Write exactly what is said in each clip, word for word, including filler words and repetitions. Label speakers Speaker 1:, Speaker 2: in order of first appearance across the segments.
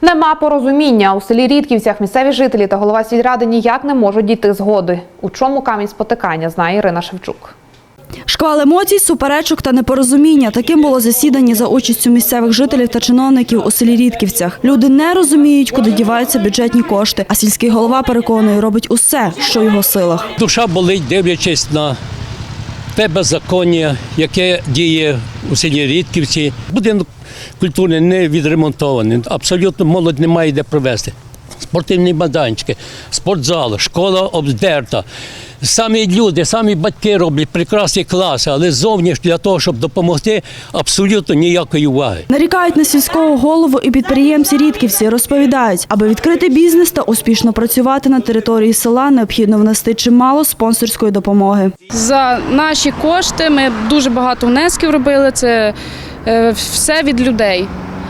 Speaker 1: Нема порозуміння. У селі Рідківцях місцеві жителі та голова сільради ніяк не можуть дійти згоди. У чому камінь спотикання, знає Ірина Шевчук.
Speaker 2: Шквал емоцій, суперечок та непорозуміння. Таким було засідання за участю місцевих жителів та чиновників у селі Рідківцях. Люди не розуміють, куди діваються бюджетні кошти, а сільський голова переконує, робить усе, що в його силах.
Speaker 3: Душа болить, дивлячись на те беззаконня, яке діє у селі Рідківці. Будинок культурний не відремонтований, абсолютно молодь немає де провести. Спортивні майданчики, спортзал, школа обдерта. Самі люди, самі батьки роблять прекрасні класи, але зовні ж для того, щоб допомогти, абсолютно ніякої уваги.
Speaker 2: Нарікають на сільського голову і підприємці Рідківці. Розповідають, аби відкрити бізнес та успішно працювати на території села, необхідно внести чимало спонсорської допомоги.
Speaker 4: За наші кошти ми дуже багато внесків робили, це все від людей.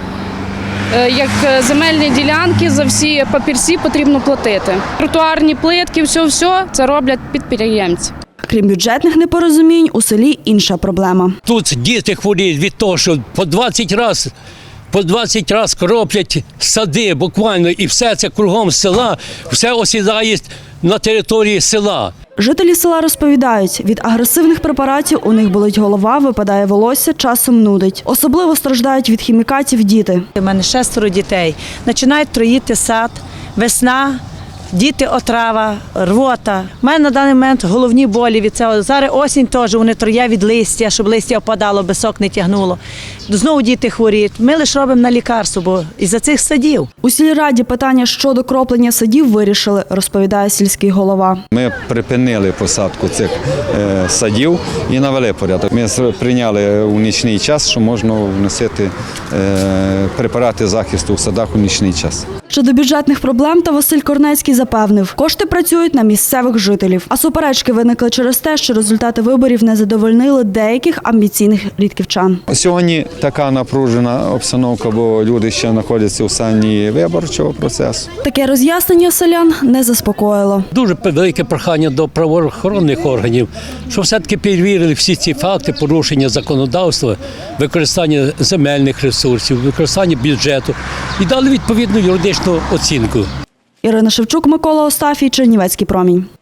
Speaker 4: Як земельні ділянки, за всі папірці потрібно платити. Тротуарні плитки, все-все це роблять підприємці.
Speaker 2: Крім бюджетних непорозумінь, у селі інша проблема.
Speaker 3: Тут діти хворіють від того, що по двадцять разів по двадцять раз кроплять сади буквально, і все це кругом села, все осідає на території села.
Speaker 2: Жителі села розповідають, від агресивних препаратів у них болить голова, випадає волосся, часом нудить. Особливо страждають від хімікатів діти.
Speaker 5: У мене шестеро дітей. Починають троїти сад, весна, діти отрава, рвота. У мене на даний момент головні болі від цього. Зараз осінь теж, вони троє від листя, щоб листя опадало, бисок не тягнуло. Знову діти хворіють. Ми лише робимо на лікарство, бо із-за цих садів.
Speaker 2: У сільраді питання щодо кроплення садів вирішили, розповідає сільський голова.
Speaker 6: Ми припинили посадку цих е, садів і навели порядок. Ми прийняли у нічний час, що можна вносити е, препарати захисту в садах у нічний час.
Speaker 2: Щодо бюджетних проблем, та Василь Корнецький запевнив, кошти працюють на місцевих жителів. А суперечки виникли через те, що результати виборів не задовольнили деяких амбіційних рідківчан.
Speaker 6: Сьогодні така напружена обстановка, бо люди ще знаходяться у стані виборчого процесу.
Speaker 2: Таке роз'яснення селян не заспокоїло.
Speaker 3: Дуже велике прохання до правоохоронних органів, щоб все-таки перевірили всі ці факти порушення законодавства, використання земельних ресурсів, використання бюджету і дали відповідну юридичну оцінку.
Speaker 2: Ірина Шевчук, Микола Остафій, Чернівецький промінь.